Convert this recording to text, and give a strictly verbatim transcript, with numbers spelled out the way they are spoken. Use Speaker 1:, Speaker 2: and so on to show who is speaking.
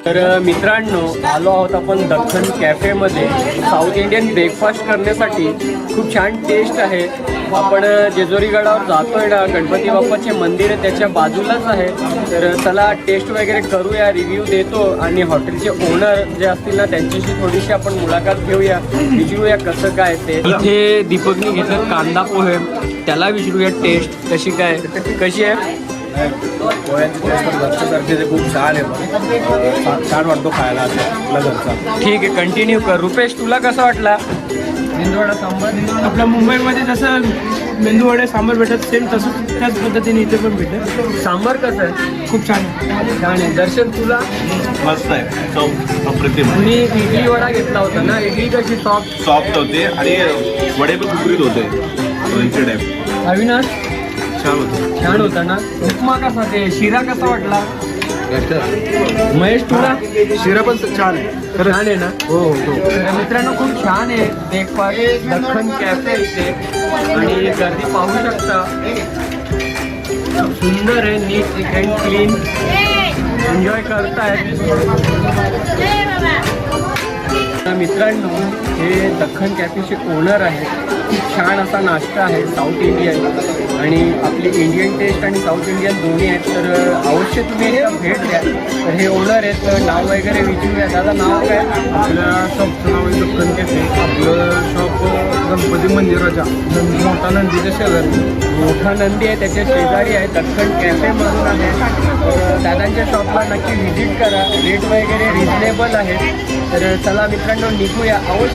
Speaker 1: तर मित्रांनो, आलो आहोत आपण दख्खन कॅफेमध्ये साऊथ इंडियन ब्रेकफास्ट करण्यासाठी. खूप छान टेस्ट आहे. आपण जेजुरी गडावर जातोय ना, गणपती बाप्पाचे मंदिर आहे त्याच्या बाजूलाच आहे. तर चला टेस्ट वगैरे करूया, रिव्ह्यू देतो आणि हॉटेलचे ओनर जे असतील ना त्यांच्याशी थोडीशी आपण मुलाखत घेऊया, विचारूया कसं काय ते. इथे दीपकनी घेतलं कांदा पोहे, त्याला विचारूया टेस्ट कशी काय कशी आहे.
Speaker 2: पोह्याची टेस्ट लक्षासारखी ते खूप छान आहे, छान वाटतो खायला आपला घरचा.
Speaker 1: ठीक आहे, कंटिन्यू कर. रुपेश, तुला कसा वाटला?
Speaker 3: मेंदूवडा सांबार आपल्या मुंबईमध्ये जसं मेंदूवडे सांबार भेटत सेम तसं त्याच पद्धतीने इथे पण भेटत.
Speaker 1: सांबार कसं आहे?
Speaker 3: खूप छान आहे.
Speaker 1: छान आहे. दर्शन, तुला?
Speaker 2: मस्त आहे, चव अप्रतिम.
Speaker 1: मी इडली वडा घेतला होता ना, इडली कशी सॉफ्ट
Speaker 2: सॉफ्ट होते आणि वडे पण कुकरीत होते, दोनशे टाईप.
Speaker 1: अविनाश,
Speaker 2: छान होतं.
Speaker 1: छान होता ना. उपमा कसा, ते शिरा कसा वाटला? महेश, तुला?
Speaker 2: शिरा पण छान आहे.
Speaker 1: छान आहे ना.
Speaker 2: हो हो.
Speaker 1: तर मित्रांनो, खूप छान आहे ब्रेकफास्ट दख्खन कॅफे इथे आणि गर्दी पाहू शकता. सुंदर आहे, नीट अँड क्लीन, एन्जॉय करतायत. मित्रांनो, हे दख्खन कॅफेचे ओनर आहे. खूप छान असा नाश्ता आहे, साऊथ इंडियन आणि आपली इंडियन टेस्ट आणि साऊथ इंडियन दोन्ही आहेत. तर अवश्य तुम्ही एकदा भेट द्या. तर हे ओनर आहेत, तर नाव वगैरे विचारूया. दादा, नाव काय?
Speaker 3: आपल्या शॉपचं नाव आहे दख्खन कॅफे. आपलं शॉप गणपती मंदिराच्या मोठा नंदीच्या शेजारी.
Speaker 1: मोठा नंदी आहे त्याच्या शेजारी आहे, दख्खन कॅफेमधून आहे. तर दादांच्या शॉपला नक्की व्हिजिट करा, रेट वगैरे रिजनेबल आहे. तर चला मित्रांनो, निघूया. अवश्य